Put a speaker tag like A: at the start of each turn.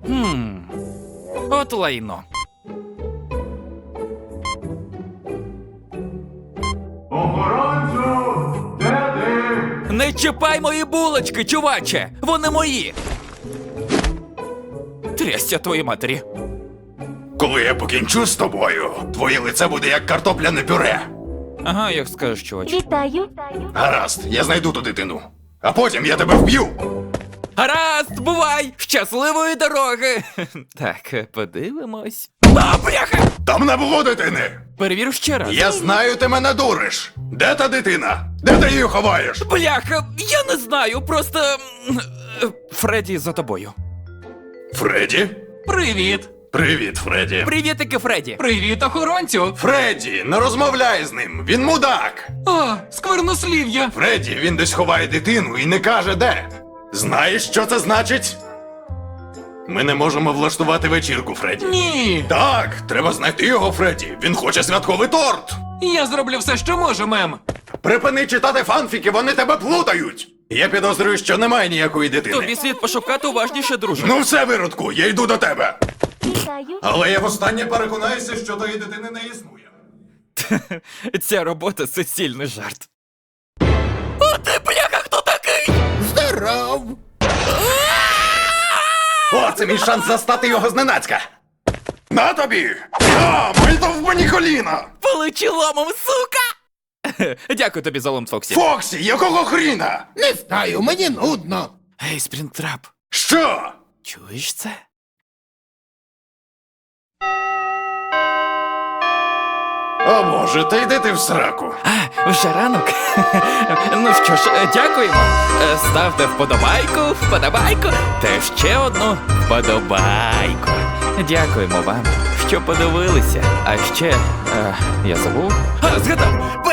A: От лайно.
B: Охоронцю! Де ти?
A: Не чіпай мої булочки, чуваче! Вони мої! Трясся твоїй матері.
B: Коли я покінчу з тобою, твоє лице буде як картопляне пюре.
A: Ага, як скажеш, чувач.
C: Вітаю.
B: Гаразд, я знайду ту дитину. А потім я тебе вб'ю.
A: Гаразд, бувай! Щасливої дороги! Так, подивимось. А, бляха!
B: Там не було дитини.
A: Перевірю ще раз.
B: Я знаю, ти мене дуриш. Де та дитина? Де ти її ховаєш?
A: Бляха, я не знаю, просто... Фредді за тобою.
B: Фредді?
D: Привіт!
B: Привіт, Фредді.
A: Привітики, Фредді.
D: Привіт, охоронцю!
B: Фредді, не розмовляй з ним, він мудак.
D: О, сквернослів'я!
B: Фредді, він десь ховає дитину і не каже де. Знаєш, що це значить? Ми не можемо влаштувати вечірку, Фредді.
D: Ні!
B: Так, треба знайти його, Фредді. Він хоче святковий торт.
D: Я зроблю все, що можу, мем!
B: Припини читати фанфіки, вони тебе плутають. Я підозрюю, що немає ніякої дитини.
A: Тобі слід пошукати уважніше, друже.
B: Ну все, виродку, я йду до тебе.
C: Вітаю.
B: Але я востаннє переконаюся, що тої дитини не існує.
A: Ця робота суцільний жарт. О, ти, бляха, хто такий?
B: Здоров! О, це мій шанс застати його зненацька. На тобі! А, мальто в мені коліна!
A: Полечи ломом, сука! Дякую тобі за лом, Фоксі.
B: Фоксі, якого хріна?
E: Не знаю, мені нудно.
A: Гей, Спрінтрап,
B: Що?
A: чуєш це?
B: О боже, та йди ти в сраку.
A: А, вже ранок? Ну що ж, дякуємо. Ставте вподобайку, та ще одну вподобайку. Дякуємо вам, що подивилися. А ще, я забув? А, згадав!